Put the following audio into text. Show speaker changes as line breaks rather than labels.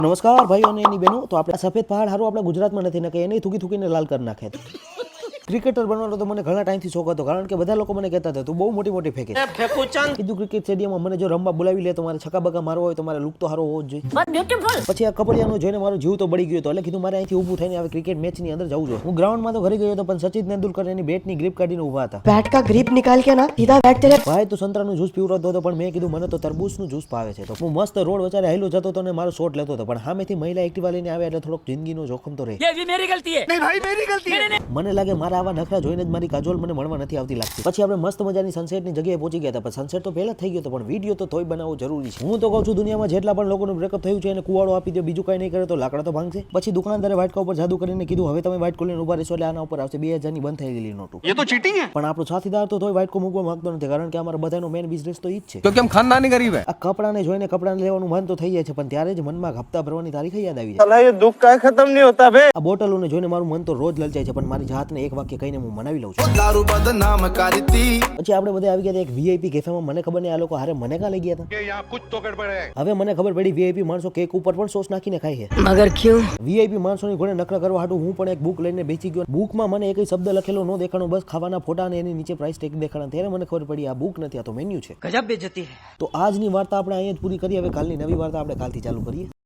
નમસ્કાર ભાઈઓ અને એની બહેનો. તો આપણે સફેદ પહાડ હારું આપણે ગુજરાતમાં નથી ને કે એને થૂકી થૂકીને લાલ કરી નાખે. ક્રિકેટર બનવાનો તો મને ઘણા ટાઈમથી શોખ હતો, કારણ કે બધા લોકો મને કહેતા હતા તું બહુ મોટી મોટી ફેંકે છે. કીધું ક્રિકેટ સ્ટેડિયમમાં મને જો રમવા બોલાવી લે તો મારે છક્કા બક્કા મારવો હોય તો મારે લુક તો સારો હોવો જ જોઈએ. પછી આ કબડ્ડીયાનું જોઈને મારો જીવ તો બળી ગયો હતો, એટલે કીધું મારે અહીંથી ઊભું થઈને હવે ક્રિકેટ મેચની અંદર જવું જોઈએ. હું ગ્રાઉન્ડમાં તો ઘરે ગયો હતો, પણ સચિન તેંડુલકર એની બેટની ગ્રીપ કાઢીને ઊભા હતા.
बैट का ग्रिप निकाल के ना सीधा बैट तेरे
ભાઈ તું સંતરાનું જ્યુસ પીવડાવતો હતો, પણ મેં કીધું મને તો તરબૂચનું જ્યુસ ભાવે છે. તો હું મસ્ત રોડ વચારે હાલ્યો જતો હતો અને મારો શોટ લેતો હતો, પણ સામેથી મહિલા એક્ટિવા લઈને આવ્યા એટલે થોડોક જિંદગીનો જોખમ તો રહે. મને લાગે મારા આવા નખરા જોઈને જ મારી કાજોલ મને મળવા નથી આવતી લાગતી. પછી આપણે મસ્ત મજાની સનસેટની જગ્યાએ પહોંચી ગયા હતા, પણ સનસેટ તો પહેલા થઈ ગયો હતો, પણ વિડીયો તો તોય બનાવવો જરૂરી છે. હું તો કહું છું દુનિયામાં જેટલા પણ લોકોનું બ્રેકઅપ થયું છે એને કુવાડો આપી દો, બીજું કઈ નહીં કરે તો લાકડા તો ભાંગશે. પછી દુકાનદારે વાટકા ઉપર જાદુ કરીને કીધું હવે તમે વાટકો લઈને ઉભા રહેશો એટલે આના ઉપર આવશે 2000 ની બંધ થઈ ગયેલી નોટો. એ તો ચીટિંગ છે. પણ આપણો સાથીદાર તો તોય વાટકો મૂકવા માંગતો નથી, કારણ કે અમારા બધાનો મેન બિઝનેસ તો ઈ જ છે.
क्योंकि हम खानदानी गरीब है.
આ કપડાને જોઈને કપડાને લેવાનું મન તો થઈ જાય છે, પણ ત્યારે જ મનમાં હપ્તા ભરવાની તારીખ યાદ આવી જાય.
ये दुख का खत्म नहीं होता बे।
આ બોટલોને જોઈને મારું મન તો રોજ લલચાય છે, પણ મારી જાતને એક વાક્ય કહીને હું મનાવી લઉં છું.
दारू बदनाम करती.
પછી આપણે બધા આવી ગયા હતા એક વીઆઈપી કેફેમાં. મને ખબર નહીં આ લોકો હારે મને કાં લઈ ગયા હતા. હવે મને ખબર પડી વીઆઈપી માણસો કેક ઉપર પણ સોસ નાખીને ખાય છે.
मगर क्यों
વીઆઈપી માણસોની ઘોડે નખરા કરવા હાટું હું પણ એક બુક લઈને બેસી ગયો. બુકમાં મને એકય શબ્દ લખેલો ન દેખાણો, બસ ખાવાના ફોટા અને એની નીચે પ્રાઇસ ટેગ દેખાણા. ત્યારે મને ખબર પડી આ બુક નથી, આ તો મેન્યુ છે.
गजब बेइज्जती है।
તો આજની વાર્તા આપણે અહીંયા જ પૂરી કરીએ. હવે કાલની નવી વાર્તા આપણે કાલથી ચાલુ કરીએ.